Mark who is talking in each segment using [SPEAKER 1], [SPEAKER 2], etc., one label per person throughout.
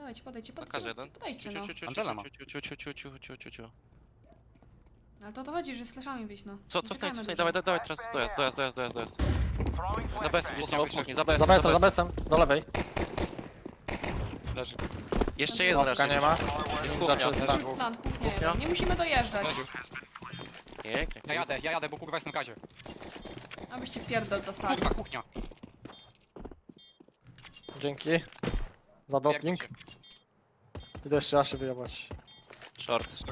[SPEAKER 1] Dawajcie, podejdźcie,
[SPEAKER 2] Pokaż jeden.
[SPEAKER 1] podejdźcie, no.
[SPEAKER 3] Angela ma.
[SPEAKER 2] Ciu.
[SPEAKER 1] Ale to o to chodzi, że z flashami wyjść, no.
[SPEAKER 2] Co,
[SPEAKER 1] Nie
[SPEAKER 2] cofnij,
[SPEAKER 1] czekajmy
[SPEAKER 2] dawaj,
[SPEAKER 1] dużo.
[SPEAKER 2] dawaj, teraz dojazd. Za besem, gdzieś tam w kuchni, za
[SPEAKER 4] Za
[SPEAKER 2] besem.
[SPEAKER 4] besem, do lewej.
[SPEAKER 3] Leży.
[SPEAKER 2] Jeszcze jeden
[SPEAKER 4] Ławka
[SPEAKER 2] raczej.
[SPEAKER 4] nie ma.
[SPEAKER 2] Jest
[SPEAKER 4] Ninja
[SPEAKER 2] kuchnia.
[SPEAKER 4] czysta.
[SPEAKER 1] Plan, kuchnia
[SPEAKER 2] Kuchnia?
[SPEAKER 1] jeden. Nie musimy dojeżdżać.
[SPEAKER 3] Leży.
[SPEAKER 2] Pięknie.
[SPEAKER 3] Ja jadę, bo kurwa jestem w gazie.
[SPEAKER 1] Abyście pierdol dostali.
[SPEAKER 3] Kurwa, kuchnia.
[SPEAKER 4] Dzięki. Za doping.
[SPEAKER 3] Pierdol się.
[SPEAKER 4] Idę jeszcze raz się wyjebać.
[SPEAKER 2] Short.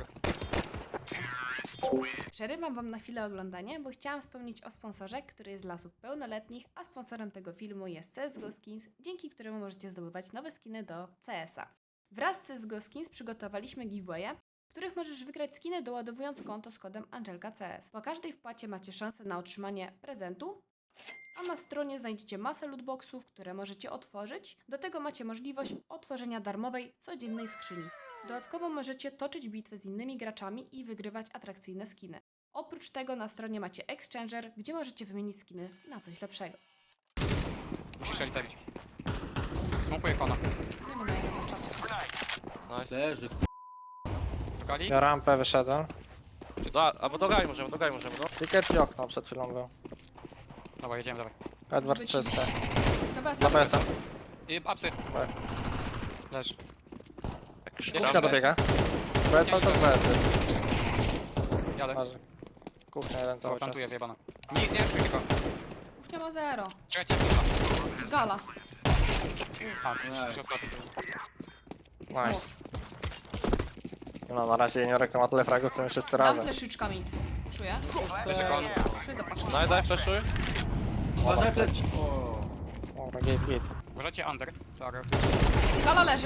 [SPEAKER 1] Przerywam wam na chwilę oglądanie, bo chciałam wspomnieć o sponsorze, który jest dla osób pełnoletnich, a sponsorem tego filmu jest CSGO Skins, dzięki któremu możecie zdobywać nowe skiny do CS-a. Wraz z CSGO Skins przygotowaliśmy giveawaye, w których możesz wygrać skiny doładowując konto z kodem ANGELKACS. Po każdej wpłacie macie szansę na otrzymanie prezentu, a na stronie znajdziecie masę lootboxów, które możecie otworzyć. Do tego macie możliwość otworzenia darmowej, codziennej skrzyni. Dodatkowo możecie toczyć bitwy z innymi graczami i wygrywać atrakcyjne skiny. Oprócz tego na stronie macie Exchanger, gdzie możecie wymienić skiny na coś lepszego.
[SPEAKER 3] Musisz Eli zabić. Smokuję kona.
[SPEAKER 1] Nie mu daję na czapkę.
[SPEAKER 2] Nice.
[SPEAKER 5] Leży,
[SPEAKER 3] Szukali?
[SPEAKER 4] Ja rampę wyszedłem.
[SPEAKER 2] Albo do gali możemy, no.
[SPEAKER 4] Ticket i okno przed chwilą był.
[SPEAKER 3] Dobra, jedziemy, dawaj.
[SPEAKER 4] Edward
[SPEAKER 1] Być-
[SPEAKER 4] czyste.
[SPEAKER 1] Dobra,
[SPEAKER 4] Za besem.
[SPEAKER 3] I apsy. Leży.
[SPEAKER 4] Kuchnia dobiega. BS cały czas BS jest.
[SPEAKER 3] Jadę.
[SPEAKER 4] Leży. Kuchnia jeden cały czas.
[SPEAKER 3] Plantuję, wyjebana. Nie, tylko.
[SPEAKER 1] Kuchnia ma 0.
[SPEAKER 3] Czekajcie,
[SPEAKER 1] Gala.
[SPEAKER 3] A, trzy osoby.
[SPEAKER 1] Jest
[SPEAKER 4] Nice.
[SPEAKER 1] most.
[SPEAKER 4] No na razie juniorek to ma tyle fragów co my wszyscy
[SPEAKER 1] Dam
[SPEAKER 4] razem.
[SPEAKER 1] fleszyczka mid. Czuję?
[SPEAKER 3] Leży kon.
[SPEAKER 1] Czuję zapatrzę.
[SPEAKER 2] Daj, flashuj.
[SPEAKER 5] uważaj plec. O.
[SPEAKER 4] Dobra, git.
[SPEAKER 3] Uważajcie under. Tak.
[SPEAKER 1] Gala leży.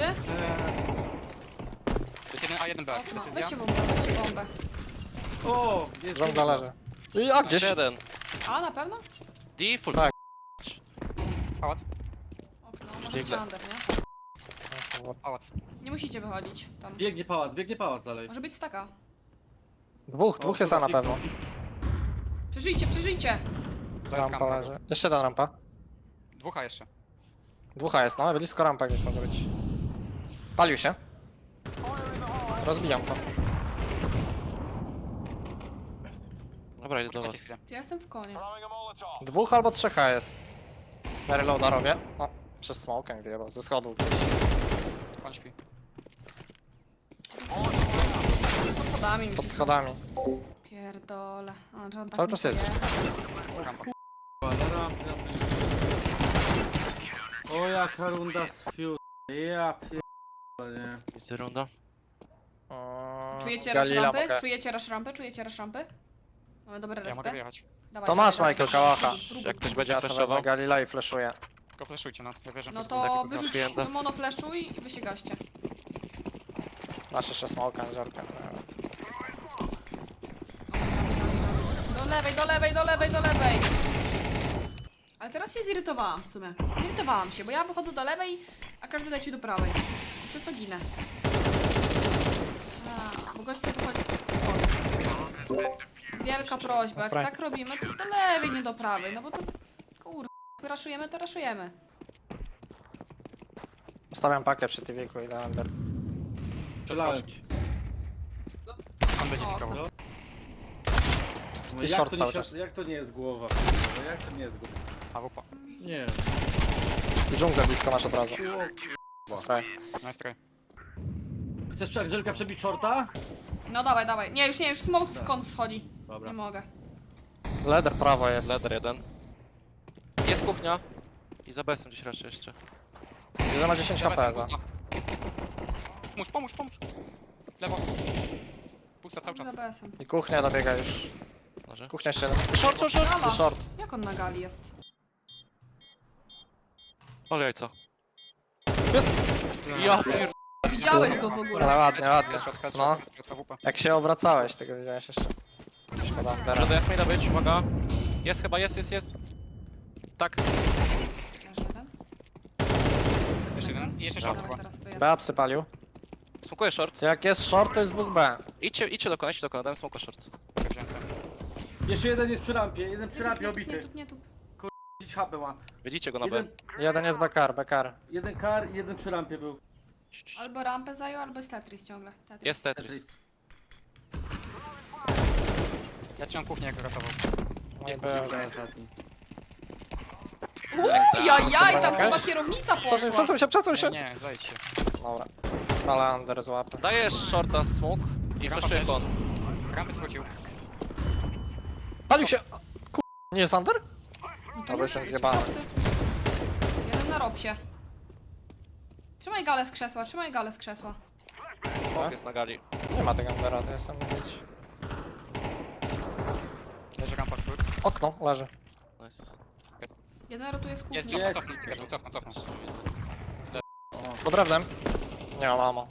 [SPEAKER 3] To jest jeden A, jeden B.
[SPEAKER 1] Okno.
[SPEAKER 3] Decyzja.
[SPEAKER 1] Weźcie bombę,
[SPEAKER 5] O, jest
[SPEAKER 4] Żądla leży. I a gdzieś.
[SPEAKER 2] Jeden.
[SPEAKER 1] A, na pewno?
[SPEAKER 2] Default.
[SPEAKER 4] Tak.
[SPEAKER 3] Pałac.
[SPEAKER 1] Okno. Może być under, nie?
[SPEAKER 3] Pałac.
[SPEAKER 1] Nie musicie wychodzić tam.
[SPEAKER 5] Biegnie pałac dalej.
[SPEAKER 1] Może być staka.
[SPEAKER 4] Dwóch jest A na pewno.
[SPEAKER 1] Przeżyjcie!
[SPEAKER 3] To jest
[SPEAKER 4] Rampa
[SPEAKER 3] kamera.
[SPEAKER 4] leży. Jeszcze jedna rampa.
[SPEAKER 3] Dwóch A jeszcze.
[SPEAKER 4] Dwóch A jest, no blisko rampa gdzieś może być. Palił się. Rozbijam to.
[SPEAKER 2] Dobra, idę do was.
[SPEAKER 3] Czekajcie chwilę.
[SPEAKER 1] Ja jestem w konie.
[SPEAKER 4] Dwóch albo trzech A jest. Ja reloada robię. O, przez smokę wyjebał, ze schodów.
[SPEAKER 3] Kon śpi.
[SPEAKER 1] Pod schodami.
[SPEAKER 4] Pod schodami.
[SPEAKER 1] Pierdole. A, że on tak
[SPEAKER 4] Cały czas
[SPEAKER 1] mówi.
[SPEAKER 4] jedzie.
[SPEAKER 3] Rampa.
[SPEAKER 5] Na rampie. O, jaka runda z fiu. Ja pierdolę, nie.
[SPEAKER 2] Jest runda.
[SPEAKER 1] Czujecie rush
[SPEAKER 4] Galila
[SPEAKER 1] rampy?
[SPEAKER 4] mogę.
[SPEAKER 1] Czujecie rush rampy? Mamy dobre
[SPEAKER 3] Ja mogę
[SPEAKER 1] respy?
[SPEAKER 3] wyjechać.
[SPEAKER 1] Dawaj,
[SPEAKER 4] To
[SPEAKER 1] dawaj,
[SPEAKER 4] masz
[SPEAKER 1] dawaj.
[SPEAKER 4] Michael Kałacha.
[SPEAKER 2] Jak ktoś będzie
[SPEAKER 4] Ja sobie
[SPEAKER 2] flashował.
[SPEAKER 4] wezmę Galila i flashuję.
[SPEAKER 3] Tylko fleszujcie, no. Ja wierzę,
[SPEAKER 1] No
[SPEAKER 3] że
[SPEAKER 1] to
[SPEAKER 3] będzie
[SPEAKER 1] wyrzuć
[SPEAKER 2] klienta.
[SPEAKER 1] monoflashuj i wy się gaście.
[SPEAKER 4] Masz jeszcze smoka, żarkę.
[SPEAKER 1] Do lewej! Ale teraz się zirytowałam w sumie. Zirytowałam się, bo ja wychodzę do lewej, a każdy leci do prawej. I przez to ginę. Bo gość sobie wychodzi... Wielka prośba, jak tak robimy, to do lewej, nie do prawej, no bo to... Kur... raszujemy, to raszujemy.
[SPEAKER 4] Stawiam pakę przy TV-ku i dałem der.
[SPEAKER 5] Strzelałem ci.
[SPEAKER 3] On będzie
[SPEAKER 1] O,
[SPEAKER 3] pikował.
[SPEAKER 5] No,
[SPEAKER 4] I
[SPEAKER 5] jak
[SPEAKER 4] short
[SPEAKER 5] to
[SPEAKER 4] cały
[SPEAKER 5] nie,
[SPEAKER 4] czas.
[SPEAKER 5] jak to nie jest głowa? No, jak to nie jest głowa?
[SPEAKER 3] AWP.
[SPEAKER 5] Nie.
[SPEAKER 4] I dżunglę blisko masz od razu. Straj.
[SPEAKER 3] Nice try.
[SPEAKER 5] Chcesz Angelka przebić shorta?
[SPEAKER 1] No dawaj. Nie, już smoke skąd schodzi.
[SPEAKER 5] Dobra.
[SPEAKER 1] Nie mogę.
[SPEAKER 4] Leder prawo jest.
[SPEAKER 2] Leder jeden. Jest kuchnia. I za besem gdzieś raczej jeszcze.
[SPEAKER 4] Jeden ma 10 HP za.
[SPEAKER 3] Pomóż. Lewo. Pusta cały czas.
[SPEAKER 1] Za BS-em.
[SPEAKER 4] I kuchnia dobiega już.
[SPEAKER 2] Może?
[SPEAKER 4] Kuchnia jeszcze jeden.
[SPEAKER 2] Short!
[SPEAKER 1] Gala!
[SPEAKER 4] I short.
[SPEAKER 1] Jak on na gali jest?
[SPEAKER 2] Ale jajco.
[SPEAKER 4] Jest.
[SPEAKER 2] Ja pier...
[SPEAKER 1] Widziałeś go w ogóle.
[SPEAKER 4] Ale ładnie.
[SPEAKER 3] Headshot,
[SPEAKER 4] No.
[SPEAKER 3] AWP.
[SPEAKER 4] Jak się obracałeś, tego widziałeś jeszcze. Szkoda.
[SPEAKER 2] Może
[SPEAKER 4] Teraz.
[SPEAKER 2] do Jasmina być, uwaga. Jest chyba, jest. Tak.
[SPEAKER 1] Leży jeden.
[SPEAKER 3] Jeszcze jeden. I jeszcze short
[SPEAKER 1] Dawaj,
[SPEAKER 3] chyba.
[SPEAKER 1] teraz wyjazd.
[SPEAKER 4] B przypalił.
[SPEAKER 2] Smokuję short.
[SPEAKER 4] Jak jest short, to jest dwóch B.
[SPEAKER 2] Idźcie do kona, dałem smoka short.
[SPEAKER 3] Wziąłem ten.
[SPEAKER 5] Jeszcze jeden jest przy rampie, jeden przy rampie obity.
[SPEAKER 1] Nie tu.
[SPEAKER 5] 10 HP ma.
[SPEAKER 2] Widzicie go na B.
[SPEAKER 5] Jeden,
[SPEAKER 4] Jeden jest Bekar.
[SPEAKER 5] jeden kar i jeden przy rampie był.
[SPEAKER 1] Albo rampę zajął, albo jest Tetris ciągle. Tetris.
[SPEAKER 2] Jest Tetris.
[SPEAKER 3] Ja trzymam kuchnię, jak ratował.
[SPEAKER 4] No i
[SPEAKER 3] Nie,
[SPEAKER 4] był.
[SPEAKER 1] Jajaj, tam
[SPEAKER 4] Jakaś?
[SPEAKER 1] chyba kierownica poszła.
[SPEAKER 4] Przesuń się.
[SPEAKER 3] Nie, zajdź się.
[SPEAKER 4] Dobra. Ale under złapę.
[SPEAKER 2] Dajesz shorta smoke i
[SPEAKER 3] Rampa
[SPEAKER 2] flashuję
[SPEAKER 3] też.
[SPEAKER 2] kon.
[SPEAKER 3] Rampy skrócił.
[SPEAKER 4] Palił się! Nie jest under?
[SPEAKER 1] No
[SPEAKER 4] Dobra,
[SPEAKER 1] nie
[SPEAKER 4] jestem
[SPEAKER 1] musi
[SPEAKER 4] zjebany.
[SPEAKER 1] być chłopcy. Jeden na robsie. Trzymaj galę z krzesła, trzymaj galę z krzesła.
[SPEAKER 2] Smoke jest na gali.
[SPEAKER 4] Nie ma tego undera, to jestem gdzieś.
[SPEAKER 3] Leży rampa skrót.
[SPEAKER 4] Okno, leży.
[SPEAKER 2] Nice.
[SPEAKER 1] Jeden rotuje z kuchni.
[SPEAKER 3] Jest, cofnij z tego, cofnął.
[SPEAKER 2] Jeszcze nie widzę.
[SPEAKER 4] Pod drewnem. Nie ma mamo.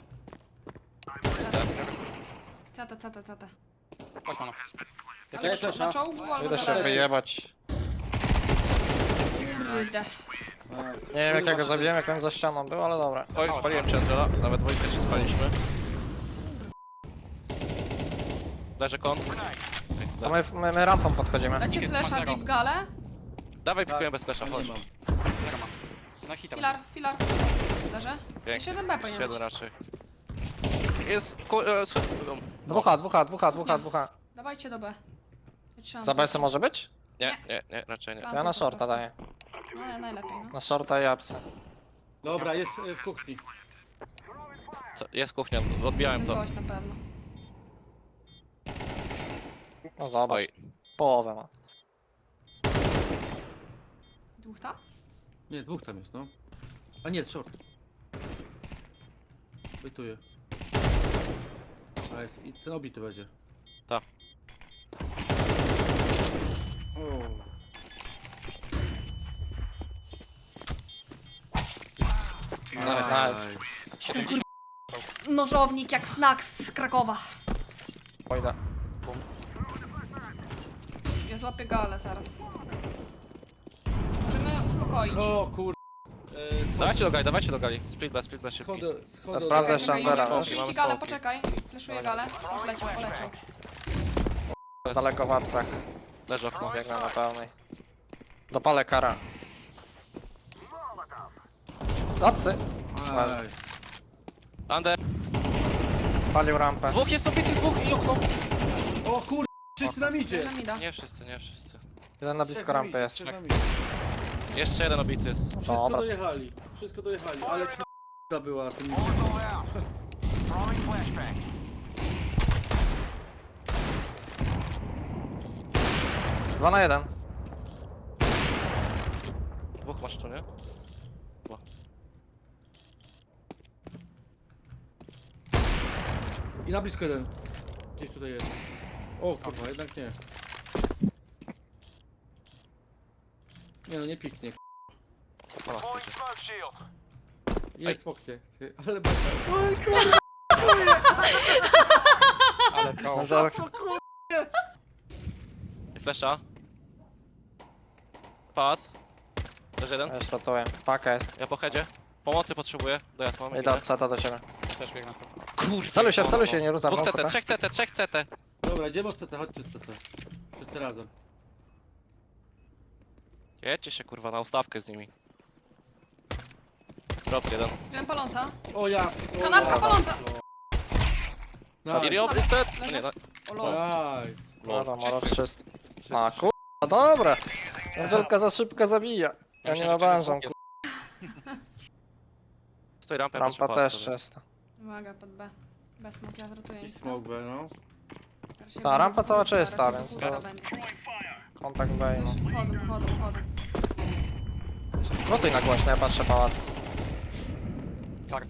[SPEAKER 1] CT.
[SPEAKER 3] Chodź, mano.
[SPEAKER 1] Ale
[SPEAKER 5] Ja też,
[SPEAKER 1] na
[SPEAKER 5] a?
[SPEAKER 1] czołgu albo
[SPEAKER 4] Idę
[SPEAKER 1] na
[SPEAKER 4] się
[SPEAKER 1] lewej.
[SPEAKER 4] wyjebać.
[SPEAKER 1] Kurde.
[SPEAKER 4] Nie wiem jak ja go zabiłem, jak on za ścianą był, ale dobra.
[SPEAKER 2] Oj, spaliłem cię Angela. Nawet dwójkę się spaliśmy. Leży kon.
[SPEAKER 4] To my rampą podchodzimy.
[SPEAKER 1] Dacie
[SPEAKER 3] Ticket
[SPEAKER 1] flesza
[SPEAKER 3] 2-0.
[SPEAKER 1] deep galę.
[SPEAKER 2] Dawaj, pikujemy bez flasha,
[SPEAKER 5] Nie
[SPEAKER 2] chodź.
[SPEAKER 5] mam.
[SPEAKER 3] Zero ma. No hita.
[SPEAKER 1] Filar. Leży.
[SPEAKER 2] Pięknie.
[SPEAKER 1] Jeszcze jeden B
[SPEAKER 2] Jeszcze
[SPEAKER 1] powinien
[SPEAKER 2] jeden
[SPEAKER 1] być.
[SPEAKER 2] raczej. Jest...
[SPEAKER 4] Dwucha.
[SPEAKER 1] Dawajcie do B. Ja trzymam
[SPEAKER 4] Za
[SPEAKER 1] plecy.
[SPEAKER 4] BS może być?
[SPEAKER 2] Nie, raczej nie.
[SPEAKER 1] Plan.
[SPEAKER 4] Ja na
[SPEAKER 1] po
[SPEAKER 4] shorta
[SPEAKER 1] prostu.
[SPEAKER 4] daję.
[SPEAKER 1] No, najlepiej, no.
[SPEAKER 4] Na shorta i apsy.
[SPEAKER 5] Dobra, jest w kuchni.
[SPEAKER 2] Co? Jest kuchnia, odbijałem
[SPEAKER 1] Jeden
[SPEAKER 2] to.
[SPEAKER 1] gość na pewno.
[SPEAKER 4] No zobacz.
[SPEAKER 2] Oj.
[SPEAKER 4] Połowę ma.
[SPEAKER 1] Dwóch tam?
[SPEAKER 5] Nie, dwóch tam jest, no. A nie, short. Bytuje. A jest, i ten obity będzie.
[SPEAKER 2] Tak.
[SPEAKER 5] O.
[SPEAKER 4] Nice.
[SPEAKER 1] Nożownik jak Snacks z Krakowa.
[SPEAKER 4] Pójdę.
[SPEAKER 1] Ja złapię galę zaraz. Możemy uspokoić.
[SPEAKER 5] O kur...
[SPEAKER 2] Dawajcie do gali. Split B szybki.
[SPEAKER 5] Schodzę,
[SPEAKER 4] To sprawdzę jeszcze
[SPEAKER 1] Czekaj,
[SPEAKER 4] Andera,
[SPEAKER 1] Juliusz,
[SPEAKER 4] wiesz?
[SPEAKER 1] puszczę
[SPEAKER 2] Mamy
[SPEAKER 1] ci galę,
[SPEAKER 2] smoki.
[SPEAKER 1] poczekaj. Fleszuję galę. Już poleciał.
[SPEAKER 4] Daleko w apsach.
[SPEAKER 2] Leży okno.
[SPEAKER 4] Biegnę na pełnej. Dopalę kara. Apsy.
[SPEAKER 5] Nice.
[SPEAKER 2] Under.
[SPEAKER 4] Spalił rampę.
[SPEAKER 2] Dwóch jest obity, dwóch i okno.
[SPEAKER 5] O kur... Wszyscy nam idzie!
[SPEAKER 1] Bierze mi da.
[SPEAKER 2] Nie wszyscy.
[SPEAKER 4] Jeden na blisko rampy jest.
[SPEAKER 5] Trzech nam idzie.
[SPEAKER 2] Jeszcze jeden obity jest.
[SPEAKER 5] Wszystko
[SPEAKER 4] Dobra.
[SPEAKER 5] dojechali, ale k***a była na tym.
[SPEAKER 4] 2 na 1.
[SPEAKER 2] Dwóch masz tu, nie?
[SPEAKER 5] I na blisko jeden. Gdzieś tutaj jest. O kurwa, jednak nie. Nie no, nie piknie.
[SPEAKER 2] No, wiecie.
[SPEAKER 5] Jest w oknie. Ale beka.
[SPEAKER 3] Ale to...
[SPEAKER 2] I flasha. Pałac. Leży jeden.
[SPEAKER 4] Ja szrotuję. Paka jest.
[SPEAKER 2] Ja po headzie. Pomocy potrzebuję. Dojazd mam.
[SPEAKER 4] Idę od seta do ciebie.
[SPEAKER 3] Też biegnę co.
[SPEAKER 2] Kurde.
[SPEAKER 4] Celuj się, nie ruszam.
[SPEAKER 2] Dwóch
[SPEAKER 4] no,
[SPEAKER 2] CT,
[SPEAKER 4] CT.
[SPEAKER 2] trzech CT.
[SPEAKER 5] Dobra, idziemy od CT, chodźcie od CT. Wszyscy razem.
[SPEAKER 2] Jedźcie się kurwa na ustawkę z nimi. Drop jeden.
[SPEAKER 1] Jeden paląca.
[SPEAKER 5] O ja!
[SPEAKER 1] Kanapka paląca.
[SPEAKER 2] I Rio, CT. No nie, no.
[SPEAKER 1] O lol.
[SPEAKER 5] Nice.
[SPEAKER 4] Dobra,
[SPEAKER 2] Czysty.
[SPEAKER 4] może czyst. A kurwa, dobra. Angelka za szybko zabija. Ja nie nadążam, kurwa.
[SPEAKER 2] Stoi rampę.
[SPEAKER 4] Rampa też jest.
[SPEAKER 1] Uwaga, pod B. Bez smoke, ja wrotuję.
[SPEAKER 5] I smoke B, no.
[SPEAKER 4] Ta rampa cała czysta, więc to-
[SPEAKER 1] to...
[SPEAKER 4] Kontakt B, no.
[SPEAKER 1] Wchodzą.
[SPEAKER 4] Rotuj na głośno, ja patrzę pałac.
[SPEAKER 3] Kar.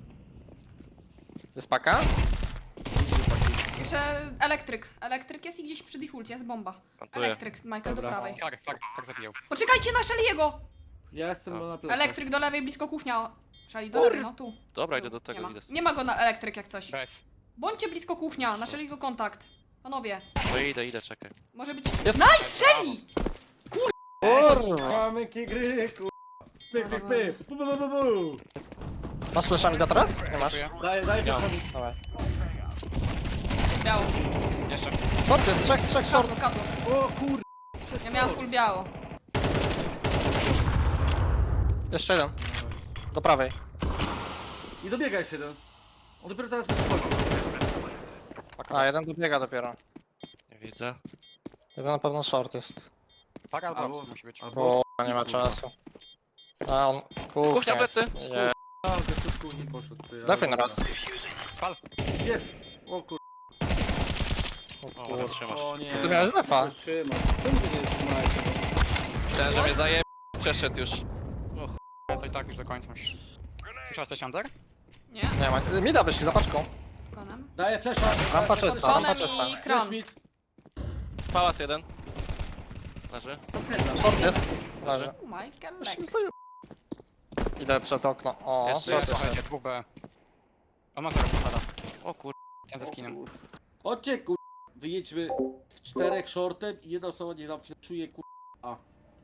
[SPEAKER 4] Jest paka?
[SPEAKER 1] Jeszcze elektryk. Elektryk jest i gdzieś przy defaulcie jest bomba.
[SPEAKER 2] Plantuję.
[SPEAKER 1] Elektryk, Michael do
[SPEAKER 5] Dobra.
[SPEAKER 1] prawej.
[SPEAKER 3] Kar zabijał.
[SPEAKER 1] Poczekajcie na Shelley'ego!
[SPEAKER 5] Ja jestem na plecach.
[SPEAKER 1] Elektryk do lewej, blisko kuchnia. Shelley do lewej, no tu.
[SPEAKER 2] Dobra,
[SPEAKER 1] Tu.
[SPEAKER 2] idę do tego,
[SPEAKER 1] Nie ma.
[SPEAKER 2] idę.
[SPEAKER 1] Nie ma go na elektryk jak coś.
[SPEAKER 3] Bez.
[SPEAKER 1] Bądźcie blisko kuchnia, na Shelley'ego kontakt. Panowie,
[SPEAKER 2] No idę, czekaj.
[SPEAKER 1] może być...
[SPEAKER 4] Jest.
[SPEAKER 1] Nice, Shelly!
[SPEAKER 4] Kurwa!
[SPEAKER 5] Mamy gry, kurwa. Pyk. Bu.
[SPEAKER 4] Masz fleszami do teraz? Nie masz?
[SPEAKER 3] Czuję.
[SPEAKER 5] Daj
[SPEAKER 2] Ja.
[SPEAKER 5] mi.
[SPEAKER 4] Dawaj.
[SPEAKER 1] Biało.
[SPEAKER 3] Jeszcze.
[SPEAKER 4] Short jest, trzech short.
[SPEAKER 1] Kadło.
[SPEAKER 5] O kur...
[SPEAKER 1] Ja miałam full biało.
[SPEAKER 4] Jeszcze jeden. Do prawej.
[SPEAKER 5] I dobiega jeszcze jeden. On dopiero teraz przychodzi.
[SPEAKER 4] A, jeden dobiega dopiero.
[SPEAKER 2] Nie widzę.
[SPEAKER 4] Jeden na pewno short jest.
[SPEAKER 3] Tak albo
[SPEAKER 5] Albo-
[SPEAKER 3] obcy musi być.
[SPEAKER 5] Albo...
[SPEAKER 4] Bo nie ma czasu. A on...
[SPEAKER 2] Kuchnia plecy!
[SPEAKER 4] Nie.
[SPEAKER 5] A, wyszutku nie poszedł. Ty, ale
[SPEAKER 4] Defin
[SPEAKER 5] dobra.
[SPEAKER 4] raz.
[SPEAKER 3] Pal.
[SPEAKER 5] Jest! O kur...
[SPEAKER 2] O, dobra, trzymasz.
[SPEAKER 5] O nie.
[SPEAKER 4] Ty miałeś defa.
[SPEAKER 5] Trzymaj. Czemu ty nie trzymałeś?
[SPEAKER 2] Myślałem, że mnie zaje... Przeszedł już.
[SPEAKER 3] Ale to i tak już do końca musisz. Słyszałeś coś under?
[SPEAKER 1] Nie?
[SPEAKER 4] Nie ma. Mida wyszli za paczką.
[SPEAKER 1] Konem.
[SPEAKER 5] Daję flesza.
[SPEAKER 4] Rampa czysta, rampa
[SPEAKER 1] Konem
[SPEAKER 4] czysta.
[SPEAKER 1] i kron.
[SPEAKER 2] Pałac jeden. Leży.
[SPEAKER 4] Short jest. Leży.
[SPEAKER 1] Michael
[SPEAKER 4] Już
[SPEAKER 1] Leck.
[SPEAKER 4] mi zaje- Idę przed okno. O,
[SPEAKER 2] Jeszcze
[SPEAKER 4] short
[SPEAKER 2] jest.
[SPEAKER 4] jest.
[SPEAKER 3] Słuchajcie, 2B. On ma 0 pochada.
[SPEAKER 2] O kur...
[SPEAKER 3] Ten ze skinem.
[SPEAKER 5] Chodźcie kur... Wyjedźmy w 4 shortem i jedna osoba nie nam fleszuje kur... A.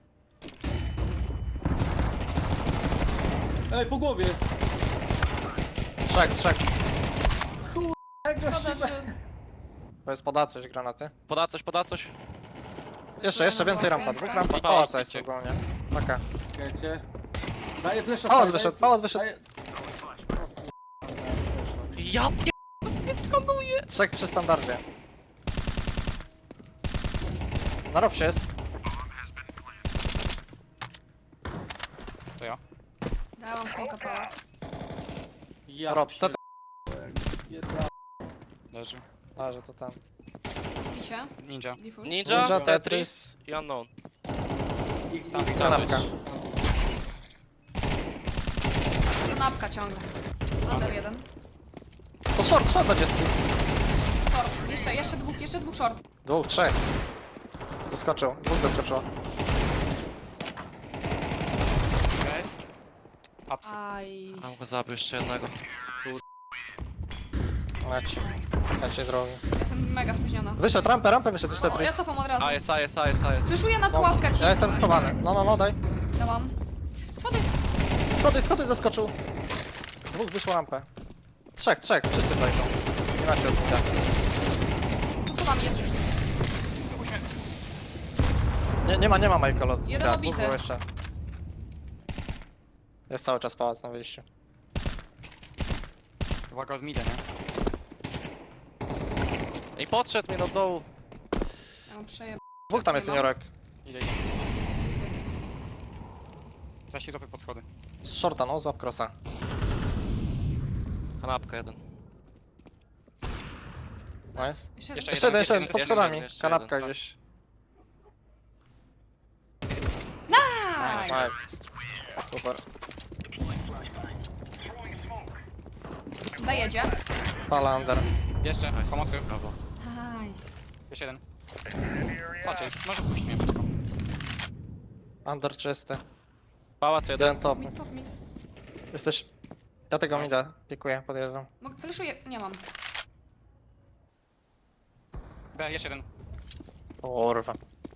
[SPEAKER 5] Ej, po głowie!
[SPEAKER 4] Trzech.
[SPEAKER 5] Jak go
[SPEAKER 1] Szkoda,
[SPEAKER 5] szybę.
[SPEAKER 1] że...
[SPEAKER 4] To jest poda coś granaty.
[SPEAKER 2] Poda coś.
[SPEAKER 4] Jeszcze więcej rampa. Dwóch rampa.
[SPEAKER 2] I
[SPEAKER 4] Pałac
[SPEAKER 2] pałac
[SPEAKER 4] jest ogólnie. Taka.
[SPEAKER 5] Czekajcie. Daję flesza.
[SPEAKER 4] Pałac
[SPEAKER 5] daję-
[SPEAKER 4] wyszedł, pałac wyszedł.
[SPEAKER 5] daję-
[SPEAKER 2] Ja pier...
[SPEAKER 4] Trzech przy standardzie. Na robsie jest.
[SPEAKER 3] To ja.
[SPEAKER 1] Dałam smoka pałac.
[SPEAKER 5] Ja
[SPEAKER 4] Rob, co
[SPEAKER 5] pierdolę.
[SPEAKER 3] Leży.
[SPEAKER 4] Leży to ten.
[SPEAKER 1] Pisie.
[SPEAKER 3] Ninja.
[SPEAKER 1] Default.
[SPEAKER 2] Ninja,
[SPEAKER 4] Ninja,
[SPEAKER 2] Tetris i Unknown.
[SPEAKER 5] I-
[SPEAKER 4] Kanapka.
[SPEAKER 1] Kanapka ciągle. Under jeden.
[SPEAKER 4] To short będzie z tym.
[SPEAKER 1] Short. Jeszcze dwóch short.
[SPEAKER 4] Dwóch, trzech. Zaskoczył. Dwóch zaskoczyło.
[SPEAKER 3] Guys. Upsy.
[SPEAKER 1] Aj.
[SPEAKER 2] Mam go zabił jeszcze jednego.
[SPEAKER 4] Leci drogi.
[SPEAKER 1] Jestem mega spóźniona.
[SPEAKER 4] Wyszedł, rampę wyszedł już
[SPEAKER 1] O, ja
[SPEAKER 4] Tetris.
[SPEAKER 1] cofam od razu.
[SPEAKER 2] A jest.
[SPEAKER 1] Słyszuję na tuławkę ci.
[SPEAKER 4] Ja jestem schowany. No, daj.
[SPEAKER 1] Dałam.
[SPEAKER 4] Schody zaskoczył. Dwóch wyszło rampę. Trzech, wszyscy tutaj są. Nie macie odbita.
[SPEAKER 1] Co tam jest?
[SPEAKER 4] Nie ma Michael od
[SPEAKER 1] Jeden
[SPEAKER 4] dwóch
[SPEAKER 1] obity.
[SPEAKER 4] było jeszcze. Jest cały czas pałac na wyjściu.
[SPEAKER 3] Uwaga od mida, nie?
[SPEAKER 2] I podszedł mnie do dołu.
[SPEAKER 1] Ja mam przejeb...
[SPEAKER 4] Dwóch tam jest seniorek.
[SPEAKER 3] Idzie.
[SPEAKER 1] Jest.
[SPEAKER 3] Zaś się topy pod schody.
[SPEAKER 4] Z shorta, no, złap crossa.
[SPEAKER 2] Kanapka jeden.
[SPEAKER 4] Nice.
[SPEAKER 1] Jeszcze
[SPEAKER 4] Jeszcze jeden, pod
[SPEAKER 2] jeszcze
[SPEAKER 4] schodami.
[SPEAKER 2] jeden, jeszcze
[SPEAKER 4] Kanapka
[SPEAKER 2] jeden.
[SPEAKER 4] gdzieś.
[SPEAKER 1] Nice.
[SPEAKER 4] Nice. Super.
[SPEAKER 1] Dojedzie.
[SPEAKER 4] Pala under.
[SPEAKER 3] Jeszcze.
[SPEAKER 2] Nice.
[SPEAKER 3] Pomocy.
[SPEAKER 2] Brawo.
[SPEAKER 1] Nice.
[SPEAKER 3] Jeszcze jeden. Patrzcie, może pójść mnie szybko.
[SPEAKER 4] Under czysty.
[SPEAKER 2] Pałac jeden.
[SPEAKER 4] Jeden top.
[SPEAKER 1] Top mid.
[SPEAKER 4] Jesteś... Ja tego mida pikuję, podjeżdżam.
[SPEAKER 1] Fleszuję. Nie mam.
[SPEAKER 3] B, jeszcze jeden.
[SPEAKER 4] Kurwa.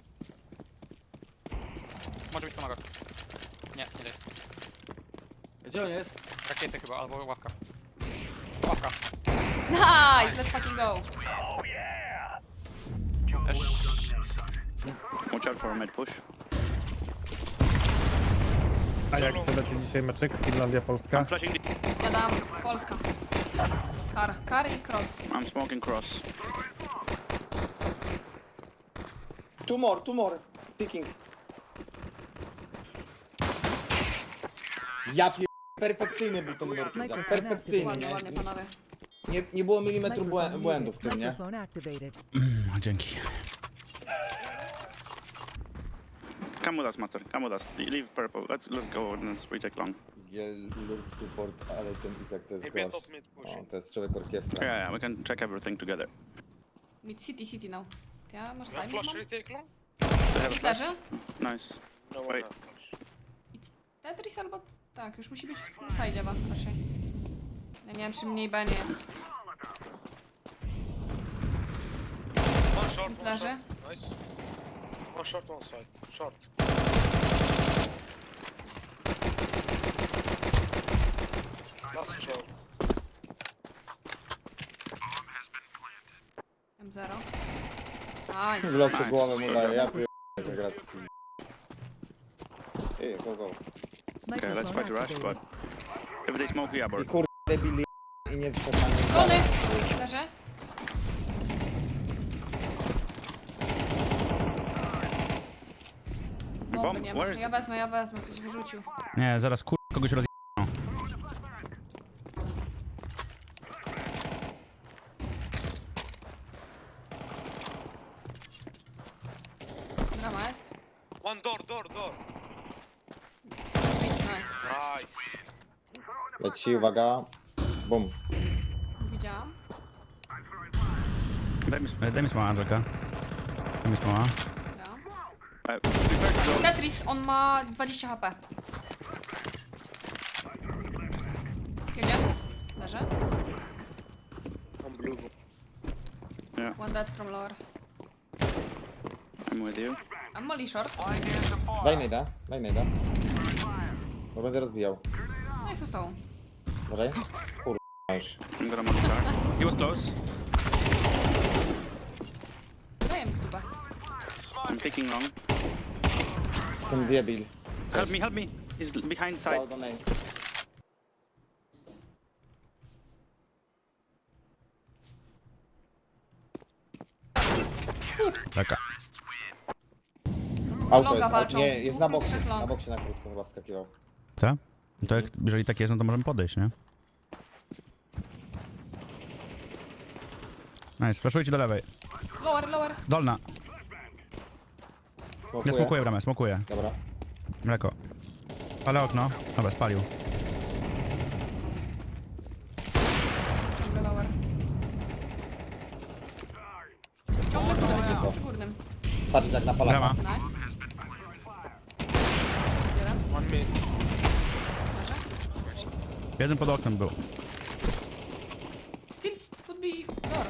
[SPEAKER 3] Może być pomaga. Nie jest.
[SPEAKER 5] Gdzie on jest?
[SPEAKER 3] Rakiety chyba, albo ławka. Ławka.
[SPEAKER 1] Nice. Let's fucking go.
[SPEAKER 6] Watch out for a mid push.
[SPEAKER 7] A jak to leci dzisiaj meczek? Finlandia, Polska?
[SPEAKER 6] I'm flashing.
[SPEAKER 1] Ja dam. Polska. Kar i cross.
[SPEAKER 6] I'm smoking cross.
[SPEAKER 8] Two more. Picking. Ja pier... Perfekcyjny był ten Murkiza. Perfekcyjny,
[SPEAKER 1] Ładnie, ładnie
[SPEAKER 8] nie?
[SPEAKER 1] panowie.
[SPEAKER 8] Nie było milimetru błędów w tym, nie?
[SPEAKER 6] Dzięki. Come with us, master. Come with us. Leave purple. Let's go and let's retake long.
[SPEAKER 8] Lord support, ale ten Izak to jest gość. O, to jest człowiek orkiestra.
[SPEAKER 6] Yeah, we can check everything together.
[SPEAKER 1] Mid city now. Ja może time
[SPEAKER 9] Flash
[SPEAKER 1] mam?
[SPEAKER 9] retake long?
[SPEAKER 1] Mid leży.
[SPEAKER 6] Nice.
[SPEAKER 9] No
[SPEAKER 6] Wait.
[SPEAKER 1] I Tetris albo... Tak, już musi być na side chyba raczej. Ja nie wiem czy mniej B nie jest.
[SPEAKER 9] One short,
[SPEAKER 1] Mid
[SPEAKER 9] one
[SPEAKER 1] leży.
[SPEAKER 9] short. Nice. One short, one side. Short. Last short.
[SPEAKER 1] M0. Nice.
[SPEAKER 8] W lepsze głowę mu daje, ja pier... gra z pizd... Ej, go.
[SPEAKER 6] Okay, let's try to rush, but if they smoke, yeah,
[SPEAKER 8] I
[SPEAKER 6] bird.
[SPEAKER 8] kur... debil i nie wszedł na niego.
[SPEAKER 1] Gony! Leży. Bomby nie ma.
[SPEAKER 6] where is
[SPEAKER 1] Ja wezmę, ktoś wyrzucił.
[SPEAKER 10] Nie, zaraz kogoś roz...
[SPEAKER 1] Drama jest.
[SPEAKER 9] One door, door.
[SPEAKER 1] Nice.
[SPEAKER 9] Nice.
[SPEAKER 8] Leci, uwaga. Bum.
[SPEAKER 1] Widziałam.
[SPEAKER 10] Daj mi smoła, Angelka. Daj mi smoła.
[SPEAKER 1] Ja. Tetris, on ma 20 HP. Jedzie. Leży.
[SPEAKER 9] On blue.
[SPEAKER 1] One dead from lower.
[SPEAKER 6] I'm with you.
[SPEAKER 1] I'm molly short.
[SPEAKER 8] Daj nejda. Bo będę rozbijał.
[SPEAKER 1] No i są z tobą.
[SPEAKER 8] Uważaj. Kurwa już.
[SPEAKER 6] I'm gonna monitor.
[SPEAKER 10] He was close.
[SPEAKER 1] Daję mi kubę.
[SPEAKER 6] I'm picking long.
[SPEAKER 8] Jestem debil.
[SPEAKER 6] Help me. He's behind side.
[SPEAKER 8] Stał do nej.
[SPEAKER 10] Czeka.
[SPEAKER 8] Auto
[SPEAKER 1] Longa
[SPEAKER 8] jest,
[SPEAKER 1] walczą.
[SPEAKER 8] nie, jest na
[SPEAKER 1] Dwóch,
[SPEAKER 8] boksie.
[SPEAKER 1] trzech long.
[SPEAKER 8] Na boksie na krótko chyba wskakiwał.
[SPEAKER 10] Tak? No to jak, jeżeli tak jest, no to możemy podejść, nie? Nice, flashujcie do lewej.
[SPEAKER 1] Lower.
[SPEAKER 10] Dolna. Ja smokuję bramę, smokuję.
[SPEAKER 8] Dobra.
[SPEAKER 10] Mleko. Ale okno. Dobra, spalił.
[SPEAKER 1] Ciągle lower. Ciągle górny, przy górnym.
[SPEAKER 8] Patrz jak na palaka.
[SPEAKER 10] Brama.
[SPEAKER 1] Nice. Jeden.
[SPEAKER 9] One mid.
[SPEAKER 1] Leży.
[SPEAKER 10] Jeden pod oknem był.
[SPEAKER 1] Still could be door.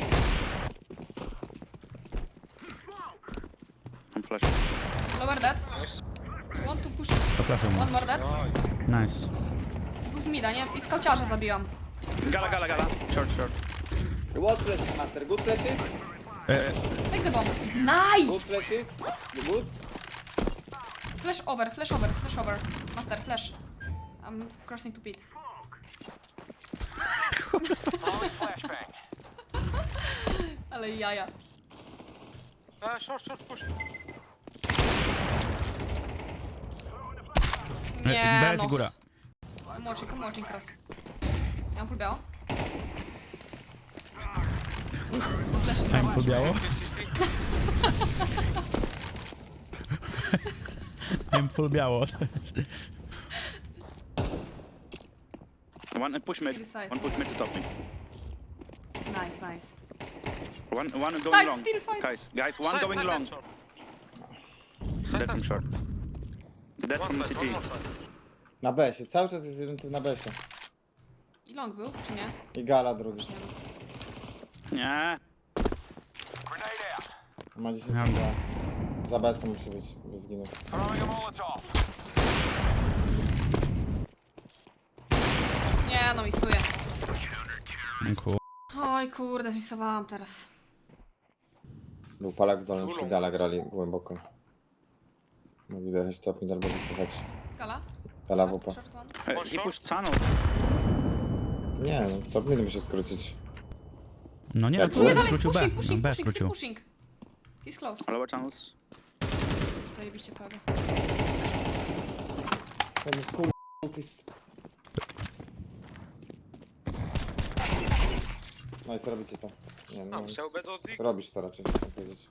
[SPEAKER 6] I'm flashing.
[SPEAKER 1] Lower dead. Want to push.
[SPEAKER 10] To flashuj mu.
[SPEAKER 1] One more dead.
[SPEAKER 10] Nice.
[SPEAKER 1] Był z mida, nie? I skauciarza zabiłam.
[SPEAKER 6] Gala. Short.
[SPEAKER 8] Good places, master. Good places.
[SPEAKER 1] Take the bomb.
[SPEAKER 8] Good
[SPEAKER 1] Nice!
[SPEAKER 8] places. You good?
[SPEAKER 1] Flash over. Master, flash. I'm crossing to pit. Ale jaja.
[SPEAKER 9] Short push.
[SPEAKER 1] Nie
[SPEAKER 10] BS i
[SPEAKER 1] no.
[SPEAKER 10] góra.
[SPEAKER 1] Come watching cross. Ja mam full biało. Flash
[SPEAKER 10] Mam full biało. Mam full biało.
[SPEAKER 6] One push mid. One push mid to top mid.
[SPEAKER 1] Nice.
[SPEAKER 6] One going
[SPEAKER 1] Side,
[SPEAKER 6] long.
[SPEAKER 1] still side.
[SPEAKER 6] Guys, one going long. Dead from short. Dead from
[SPEAKER 9] One
[SPEAKER 6] city.
[SPEAKER 9] more side.
[SPEAKER 8] Na B-sie. Cały czas jest jeden typ na B-sie.
[SPEAKER 1] I long był, czy nie?
[SPEAKER 8] I gala drugi.
[SPEAKER 6] Nie.
[SPEAKER 8] Ma 10
[SPEAKER 10] Ja-
[SPEAKER 8] chyba. Za B-sem musi być, by zginął.
[SPEAKER 1] Nie no, misuję.
[SPEAKER 10] Ku-
[SPEAKER 1] Oj kurde, zmisowałam teraz.
[SPEAKER 8] Był palak w dolnym, czyli gala grali głęboko. No widać, top mid albo wycofać.
[SPEAKER 1] Gala?
[SPEAKER 8] Gala wupa.
[SPEAKER 1] Short one.
[SPEAKER 6] He pushed tunnel.
[SPEAKER 8] Nie, no top mid musi skrócić.
[SPEAKER 10] No nie,
[SPEAKER 8] Jak
[SPEAKER 10] skrócił
[SPEAKER 1] Nie,
[SPEAKER 10] B.
[SPEAKER 1] dalej,
[SPEAKER 10] skrócił B.
[SPEAKER 1] pushing,
[SPEAKER 10] No, B
[SPEAKER 1] still
[SPEAKER 10] skrócił.
[SPEAKER 1] pushing. He's close.
[SPEAKER 6] Lower tunnels.
[SPEAKER 1] Zajebiście prawie.
[SPEAKER 8] Ten kur... jest... No i robicie to. Nie, no.
[SPEAKER 9] So bad on dick.
[SPEAKER 8] Robisz to raczej, chcę powiedzieć.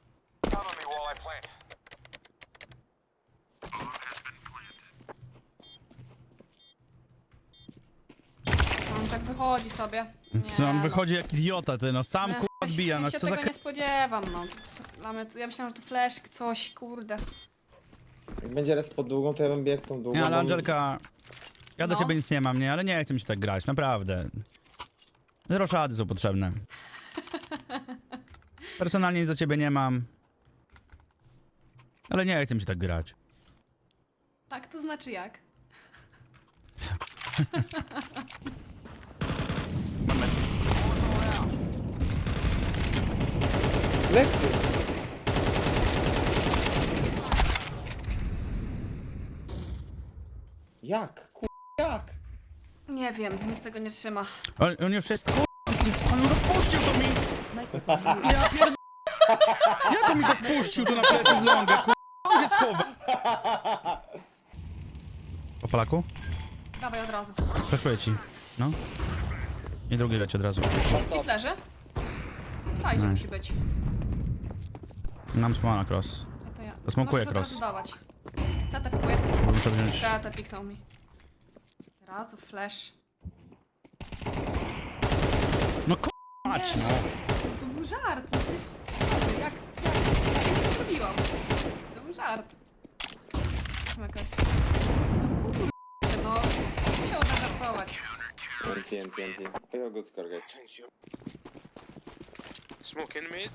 [SPEAKER 1] On tak wychodzi sobie. Nie,
[SPEAKER 10] Co on
[SPEAKER 1] no.
[SPEAKER 10] wychodzi jak idiota, ty no. Sam kurwa odbija, no
[SPEAKER 1] Ja się
[SPEAKER 10] co za...
[SPEAKER 1] tego nie spodziewam, no. Ja myślałam, że to flash, coś, kurde.
[SPEAKER 8] Jak będzie res pod długą, to ja bym biegł tą długą.
[SPEAKER 10] Nie, ale
[SPEAKER 8] bo-
[SPEAKER 10] Angelka... Ja do
[SPEAKER 1] No.
[SPEAKER 10] ciebie nic nie mam, nie? Ale nie chcę mi się tak grać, naprawdę. Zero szady są potrzebne. Personalnie nic do ciebie nie mam. Ale nie chcę mi się tak grać.
[SPEAKER 1] Tak, to znaczy jak?
[SPEAKER 8] Lekcje! Jak? Jak?
[SPEAKER 1] Nie Nie wiem, nikt tego nie trzyma.
[SPEAKER 10] On już jest on rozpuścił to mi! Ja pierd... Jak on mi to wpuścił tu na plecy z longę, on się schowa! Po Polaku?
[SPEAKER 1] Dawaj od razu.
[SPEAKER 10] Flaszuję ci. No. I drugi leci od razu.
[SPEAKER 1] Hit leży. W sajdzie musi być.
[SPEAKER 10] Nam smoła na cross.
[SPEAKER 1] No to ja.
[SPEAKER 10] Zasmokuję
[SPEAKER 1] Możesz od razu
[SPEAKER 10] cross.
[SPEAKER 1] dawać. CT pikuje.
[SPEAKER 10] Bo muszę wziąć...
[SPEAKER 1] CT piknął mi. Od razu flash.
[SPEAKER 10] No mać, no.
[SPEAKER 1] To był żart, no przecież... Jak się nie zrobiłam. To był żart. Tam jakaś... No kurczę, no. Musiał zażartować.
[SPEAKER 8] TNT. Payload good score, guys.
[SPEAKER 9] Thank you. Smoke in mid.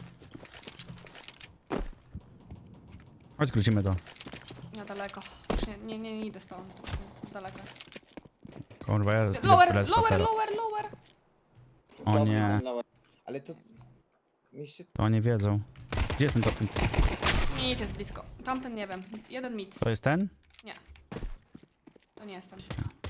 [SPEAKER 10] Chodź, skrócimy to.
[SPEAKER 1] Ja daleko. Już nie idę z tobą. Daleko.
[SPEAKER 10] Kurwa, ja...
[SPEAKER 1] Lower.
[SPEAKER 10] O
[SPEAKER 8] Top
[SPEAKER 10] nie.
[SPEAKER 8] mid, lower. Ale to... Mieście...
[SPEAKER 10] To oni wiedzą. Gdzie jest ten top?
[SPEAKER 1] Mid jest blisko. Tamten nie wiem. Jeden mid.
[SPEAKER 10] To jest ten?
[SPEAKER 1] Nie. To nie jestem.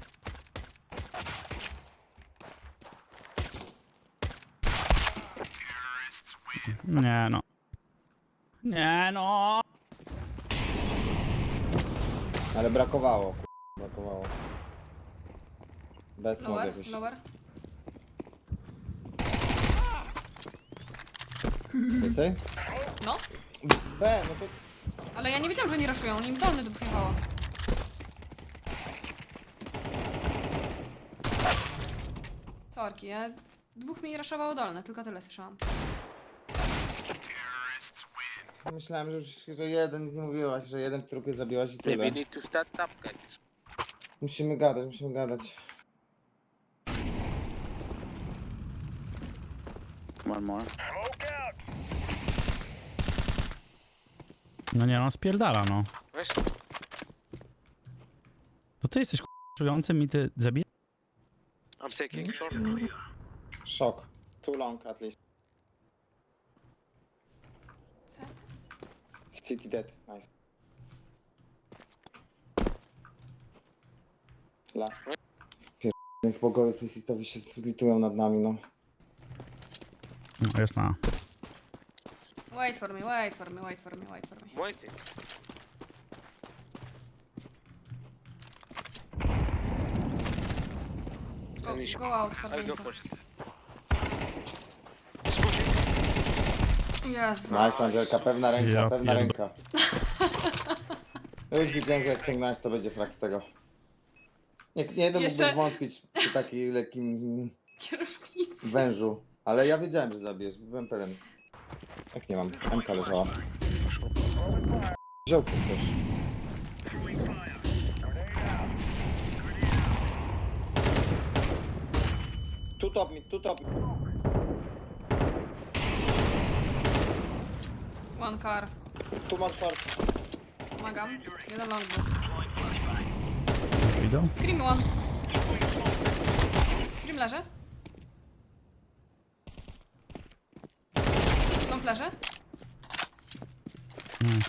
[SPEAKER 10] Nie no. Nie no.
[SPEAKER 8] Ale brakowało, brakowało. Bez mod jakoś.
[SPEAKER 1] Lower.
[SPEAKER 8] Więcej?
[SPEAKER 1] No.
[SPEAKER 8] B, no to...
[SPEAKER 1] Ale ja nie wiedziałam, że nie raszują. Oni im dolny dopływało. Sorki, ja... Dwóch mi raszowało dolne, tylko tyle słyszałam.
[SPEAKER 8] Myślałem, że jeden, nic nie mówiłaś, że jeden w trupie zabiłaś i tyle.
[SPEAKER 6] need to start up, guys.
[SPEAKER 8] Musimy gadać.
[SPEAKER 6] One more.
[SPEAKER 10] No nie no, spierdala no.
[SPEAKER 9] Nice.
[SPEAKER 10] To ty jesteś czującym i ty zabijesz?
[SPEAKER 9] I'm taking short.
[SPEAKER 8] Szok. Too long at least. City dead, nice. Last. Niech bogowie faceitowi się zlitują nad nami, no.
[SPEAKER 10] No jest na.
[SPEAKER 1] Wait for me.
[SPEAKER 9] Waiting.
[SPEAKER 1] Go out for
[SPEAKER 9] I'll
[SPEAKER 1] me.
[SPEAKER 9] go first.
[SPEAKER 1] Jezu.
[SPEAKER 8] Nice, Angelka, pewna ręka,
[SPEAKER 10] Ja
[SPEAKER 8] pewna
[SPEAKER 10] pierdol-
[SPEAKER 8] ręka. No już widziałem, że jak ciągnąłeś, to będzie frak z tego. Nie jeden
[SPEAKER 1] Jeszcze-
[SPEAKER 8] mógłby wątpić przy takim lekkim
[SPEAKER 1] Kierownicy.
[SPEAKER 8] wężu. Ale ja wiedziałem, że zabijesz, byłem pewien. Jak nie mam? MK leżała. Wziął ktoś. Tu top mid, tu top mid.
[SPEAKER 1] One car.
[SPEAKER 8] Tu masz short.
[SPEAKER 1] Pomagam. Jeden long był.
[SPEAKER 10] Idą?
[SPEAKER 1] Scream one. Scream leży. Long leży.
[SPEAKER 10] Nice.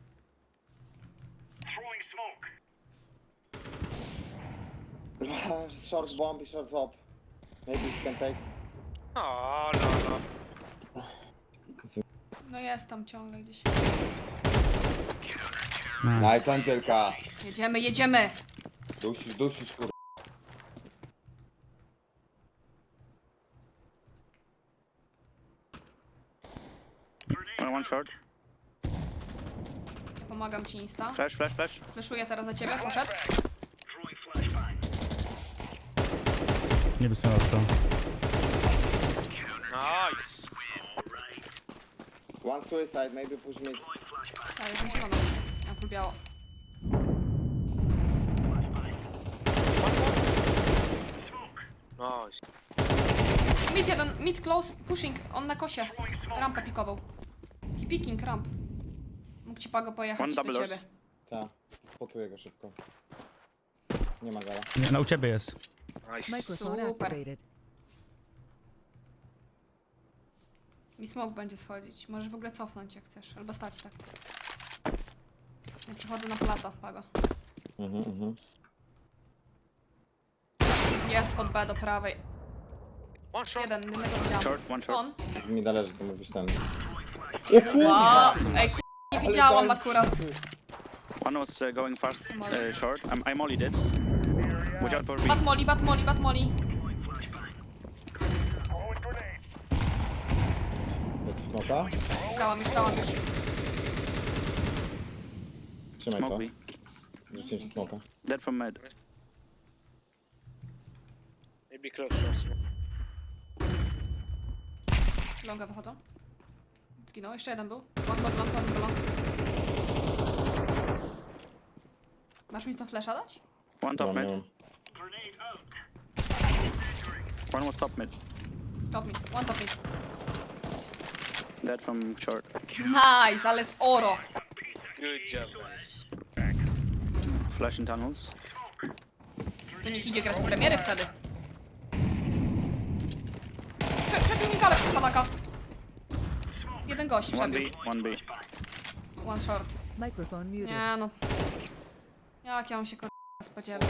[SPEAKER 8] Short bomb i short hop. Maybe you can take.
[SPEAKER 9] Oh, no.
[SPEAKER 1] No jest tam ciągle gdzieś.
[SPEAKER 10] Nice.
[SPEAKER 8] Nice, Angelka.
[SPEAKER 1] Jedziemy.
[SPEAKER 8] Dusisz, kur...
[SPEAKER 6] One short.
[SPEAKER 1] Pomagam ci insta.
[SPEAKER 6] Flash.
[SPEAKER 1] Fleszuję teraz za ciebie, poszedł.
[SPEAKER 10] Nie dostałem to.
[SPEAKER 9] Nice.
[SPEAKER 8] One suicide, maybe push mid.
[SPEAKER 1] Tak, jest na zielono. Ja full biało.
[SPEAKER 9] Nice.
[SPEAKER 1] Mid jeden, mid close, pushing, on na kosie. Rampę pikował. Keep picking, ramp. Mógł ci Pago pojechać
[SPEAKER 6] One
[SPEAKER 1] do
[SPEAKER 6] double
[SPEAKER 1] ciebie.
[SPEAKER 8] Tak, spotuję go szybko. Nie ma gala.
[SPEAKER 10] Nie, no u ciebie jest.
[SPEAKER 9] Nice.
[SPEAKER 1] Super. Mi smoke będzie schodzić. Możesz w ogóle cofnąć jak chcesz, albo stać tak. Ja przychodzę na plato, Pago. Jest pod B do prawej.
[SPEAKER 9] One short.
[SPEAKER 1] Jednego widziałam.
[SPEAKER 6] Short, one short.
[SPEAKER 1] On.
[SPEAKER 8] Mi należy, to mówisz ten.
[SPEAKER 1] Wow. Ej, nie widziałam akurat.
[SPEAKER 6] One was going fast,
[SPEAKER 1] Molly.
[SPEAKER 6] short. I mollied it. Watch out for B.
[SPEAKER 1] Batmoli, Batmoli, Batmoli.
[SPEAKER 8] Leci smoka?
[SPEAKER 1] Dałam już, dałam już.
[SPEAKER 8] Trzymaj to.
[SPEAKER 6] Smoke B.
[SPEAKER 8] Rzuciłem ci smoka.
[SPEAKER 6] Dead from mid.
[SPEAKER 9] Maybe close short.
[SPEAKER 1] Longa wychodzą. Zginął, jeszcze jeden był. One balon. Masz mi co flasha dać?
[SPEAKER 6] One top
[SPEAKER 8] Mam
[SPEAKER 6] mid.
[SPEAKER 8] ją.
[SPEAKER 6] One was top mid.
[SPEAKER 1] Top mid, one top mid.
[SPEAKER 6] Dead from short.
[SPEAKER 1] Nice, ale z oro.
[SPEAKER 9] Good job, guys.
[SPEAKER 6] Flash in tunnels.
[SPEAKER 1] To niech idzie grać w premiery wtedy. Przebił mi galę przez palaka. Jeden gość
[SPEAKER 6] One B,
[SPEAKER 1] przebił.
[SPEAKER 6] one B.
[SPEAKER 1] One short.
[SPEAKER 11] Microphone muted.
[SPEAKER 1] Nie no. Jak ja mam się spodziewać?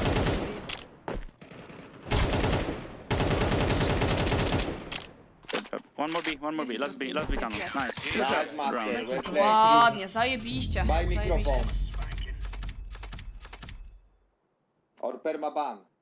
[SPEAKER 6] Good job. One more B. Let's be tunnels. Nice. Good
[SPEAKER 8] Tak,
[SPEAKER 6] job.
[SPEAKER 8] master,
[SPEAKER 6] Brown.
[SPEAKER 8] we play.
[SPEAKER 1] Ładnie, zajebiście.
[SPEAKER 8] Daj mikrofon.
[SPEAKER 1] Zajebiście.
[SPEAKER 8] Or permaban.